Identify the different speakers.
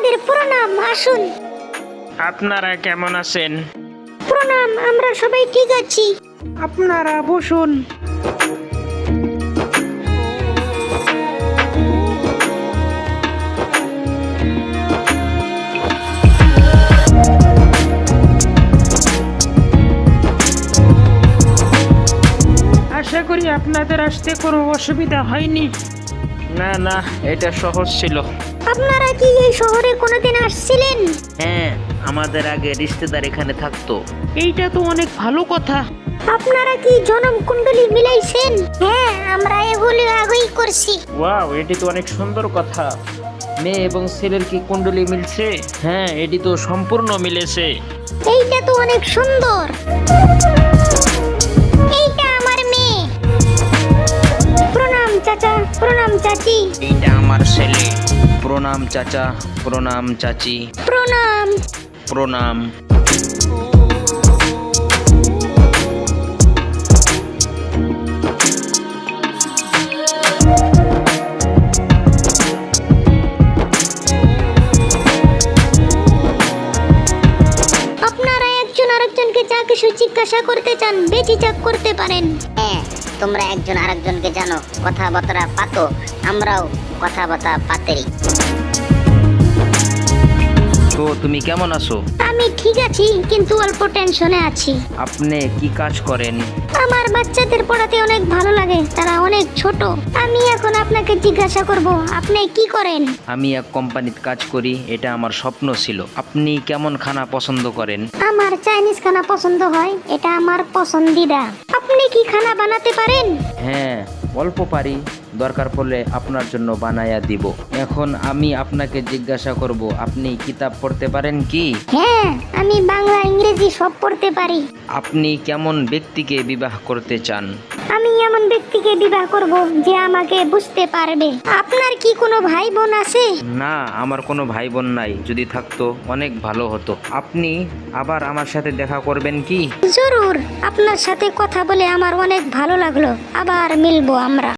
Speaker 1: আপনাদের প্রণাম, আসুন।
Speaker 2: আপনারা কেমন আছেন?
Speaker 1: প্রণাম, আমরা সবাই ঠিক আছি।
Speaker 3: আপনারা বসুন। আশা করি আপনাদের আসতে কোনো অসুবিধা হয়নি।
Speaker 2: না না, এটা সহজ ছিল।
Speaker 1: আপনারা কি এই শহরে কোনোদিন আসছিলেন?
Speaker 2: হ্যাঁ, আমাদের আগে রিশতেদার এখানে থাকতো।
Speaker 3: এইটা তো অনেক ভালো কথা।
Speaker 1: আপনারা কি জনম কুণ্ডলী মিলাইছেন? হ্যাঁ, আমরা এগুলি আগেই করছি।
Speaker 2: ওয়াও, এটি তো অনেক সুন্দর কথা। মেয়ে এবং ছেলের কি কুণ্ডলী মিলছে? হ্যাঁ, এটি তো সম্পূর্ণ মিলেছে।
Speaker 1: এইটা তো অনেক সুন্দর। এইটা আমার মেয়ে। প্রণাম চাচা, প্রণাম চাচি।
Speaker 2: এইটা আমার ছেলে। প্রণাম চাচা, প্রণাম চাচি,
Speaker 1: প্রণাম।
Speaker 2: প্রণাম।
Speaker 1: আপনারা একজন আরেকজনকে যা কিছু জিজ্ঞাসা করতে চান বেচিচাক করতে পারেন।
Speaker 4: হ্যাঁ, তোমরা একজন আরেকজনকে জানো, কথাবার্তা পাতো, আমরাও কথাবার্তা পাতেরি।
Speaker 2: তো তুমি কেমন আছো?
Speaker 1: আমি ঠিক আছি, কিন্তু অল্প টেনশনে আছি।
Speaker 2: আপনি কি কাজ করেন?
Speaker 1: আমার বাচ্চাদের পড়াতে অনেক ভালো লাগে, তারা অনেক ছোট। আমি এখন আপনাকে জিজ্ঞাসা করব, আপনি কি করেন?
Speaker 2: আমি এক কোম্পানিতে কাজ করি, এটা আমার স্বপ্ন ছিল। আপনি কেমন খানা পছন্দ করেন?
Speaker 1: আমার চাইনিজ খানা পছন্দ হয়, এটা আমার পছন্দিদা। আপনি কি খানা বানাতে পারেন?
Speaker 2: হ্যাঁ, অল্প পারি, দরকার পড়লে আপনার জন্য বানায়া দিব। এখন আমি আপনাকে জিজ্ঞাসা করব, আপনি কিতাব পড়তে পারেন কি?
Speaker 1: হ্যাঁ, আমি বাংলা ইংরেজি সব পড়তে পারি।
Speaker 2: আপনি কেমন ব্যক্তিকে বিবাহ করতে চান?
Speaker 1: আমি এমন ব্যক্তিকে বিবাহ করব যে আমাকে বুঝতে পারবে। আপনার কি কোনো ভাই বোন আছে?
Speaker 2: না, আমার কোনো ভাই বোন নাই। যদি থাকতো অনেক ভালো হতো। আপনি আবার আমার সাথে দেখা করবেন কি?
Speaker 1: জরুর, আপনার সাথে কথা বলে আমার অনেক ভালো লাগলো। আবার মিলবো আমরা।